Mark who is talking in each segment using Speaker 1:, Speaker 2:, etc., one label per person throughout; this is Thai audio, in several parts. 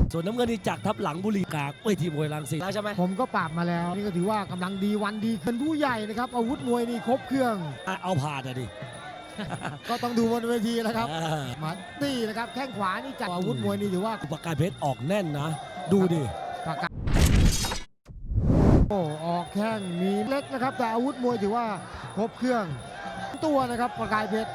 Speaker 1: ส่วนน้ำเงินนี่จากทับหลังบุรีกากเวทีมวยรังสิตแล้วใช่ไหม
Speaker 2: ผมก็ปราบมาแล้วนี่ก็ถือว่ากำลังดีวันดีเป็นผู้ใหญ่นะครับอาวุธมวยนี่ครบเครื่อง
Speaker 1: เอาผ่านดิ
Speaker 2: ก็ต้องดูบนเวทีแล้วครับมาตีนะครับแข้งขวานี่จากอาวุธมวยนี่ถือว่า
Speaker 1: ประกายเพชรออกแน่นนะ ดูดิ
Speaker 2: ประกาศโอ้ออกแข้งมีเล็กนะครับแต่อาวุธมวยถือว่าครบเครื่องตัวนะครับประกายเพชร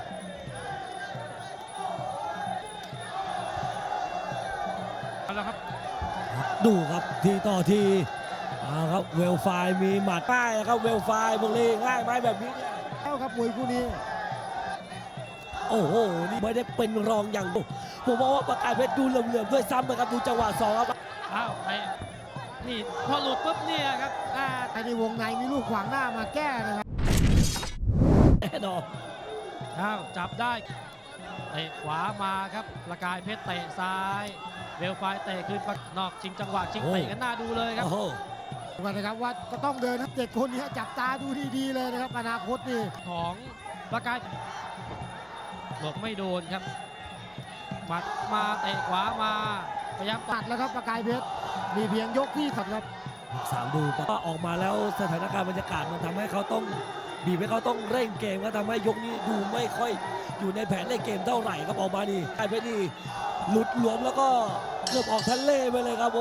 Speaker 3: แล้วครับ
Speaker 1: ดูครับทีต่อทีเอาครับเวลไฟมีหมัดป้ายนะครับเวลไฟบุรีง่ายไหมแบบนี้เนี่ย
Speaker 2: แล้วครับมวยคู่นี้
Speaker 1: โอ้โหนี่ไม่ได้เป็นรองอย่างผมบอกว่าประกายเพชรดูเหลื่อมๆด้วยซ้ำนะครับดูจังหวะสองครับ
Speaker 3: อ้าวไอ้นี่พอหลุดปุ๊บเนี่ยครับ
Speaker 2: ไอ้ในวงในมีลูกขวางหน้ามาแก้นะครับ
Speaker 1: แน่นอน
Speaker 3: อ้าวจับได้เตะขวามาครับประกายเพชรเตะซ้ายเวลไฟเตะคืนนอกชิงจังหวะชิงเตะกันหน้าดูเลยครับ
Speaker 1: โอ้โห
Speaker 2: กันนะครับว่าก็ต้องเดินทั้ง7คนนี้จับตาดูดีๆเลยนะครับอนาคตนี่
Speaker 3: ของประกายหลบไม่โดนครับหมัดมาเตะขวามาพยายาม
Speaker 2: ตัดแล้วครับประกายเพชรมีเพียงยกที่สัดครับ
Speaker 1: สามดูก็ออกมาแล้วสถานการณ์บรรยากาศมันทำให้เขาต้องบีบให้เขาต้องเร่งเกมก็ทำให้ยกนี้ดูไม่ค่อยอยู่ในแผนเล่นเกมเท่าไหร่ครับออกมานี่ไอ้เพชรนี่หลุดหลวมแล้วก็เกือบออกทะเลไปเลยครับโอ้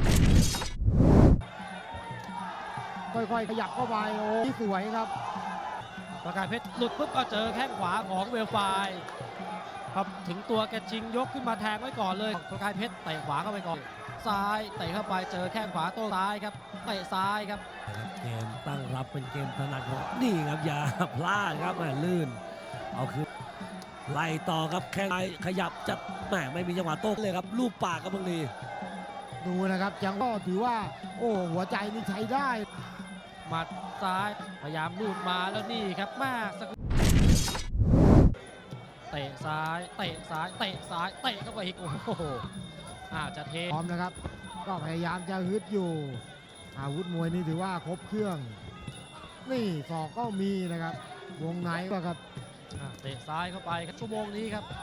Speaker 2: ค่อยๆขยับเข้าไปโอ้สวยครับ
Speaker 3: ประกายเพชรหลุดปุ๊บก็เจอแข้งขวาของเวลไฟครับถึงตัวแกชิงยกขึ้นมาแทงไว้ก่อนเลยประกายเพชรเตะขวาเข้าไปก่อนซ้ายเตะเข้าไปเจอแข้งขวาโต้ซ้ายครับเตะซ้ายครับ
Speaker 1: เกมตั้งรับเป็นเกมถนัดของนี่ครับอย่าพลาดครับแหม่ลื่นเอาคือไล่ต่อครับแข้งซ้ายขยับจัดแหม่ไม่มีจังหวะโต้เลยครับลูกปากครับบางที
Speaker 2: ดูนะครับยังก็ถือว่าโอ้หัวใจนี่ใช้ได้
Speaker 3: หมัดซ้ายพยายามลูดมาแล้วนี่ครับแม่สักเตะซ้ายเตะซ้ายเตะซ้ายเตะเข้าไปอีกโอ้โหจะเท
Speaker 2: พร้อมนะครับ ก็พยายามจะฮึดอยู่ อาวุธมวยนี่ถือว่าครบเครื่อง นี่ศอกก็มีนะครับ วงในก็ครับ
Speaker 3: เตะซ้ายเข้าไปครับชั่วโมงนี้ครับ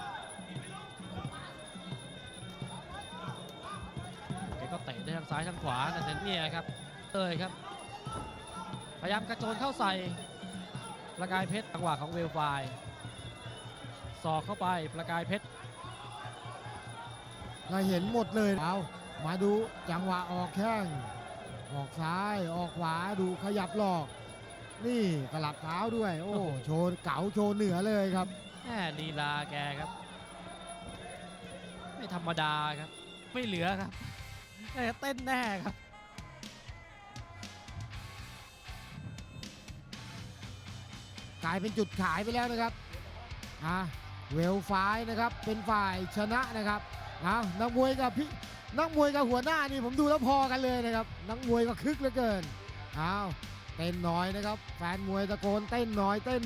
Speaker 3: แกก็เตะได้ทั้งซ้ายทั้งขวาแต่เนี่ยครับเลยครับพยายามกระโจนเข้าใส่ประกายเพชรจังหวะของเวลไฟศอกเข้าไปประกายเพชร
Speaker 2: เราเห็นหมดเลยเอามาดูจังหวะออกแข้งออกซ้ายออกขวาดูขยับหลอก นี่กลับเท้าด้วย โอ้โชว์เก๋าโชว์เหนือเลยครับ
Speaker 3: แหมลีลาแกครับ ไม่ธรรมดาครับ ไม่เหลือครับเต้นแน่ครับ
Speaker 2: กลายเป็นจุดขายไปแล้วนะครับเวลไฟนะครับเป็นฝ่ายชนะนะครับนักมวยกับหัวหน้านี่ผมดูแล้วพอกันเลยนะครับนักมวยก็คึกเหลือเกินเต้นน้อยนะครับแฟนมวยตะโกนเต้นน้อยเต้น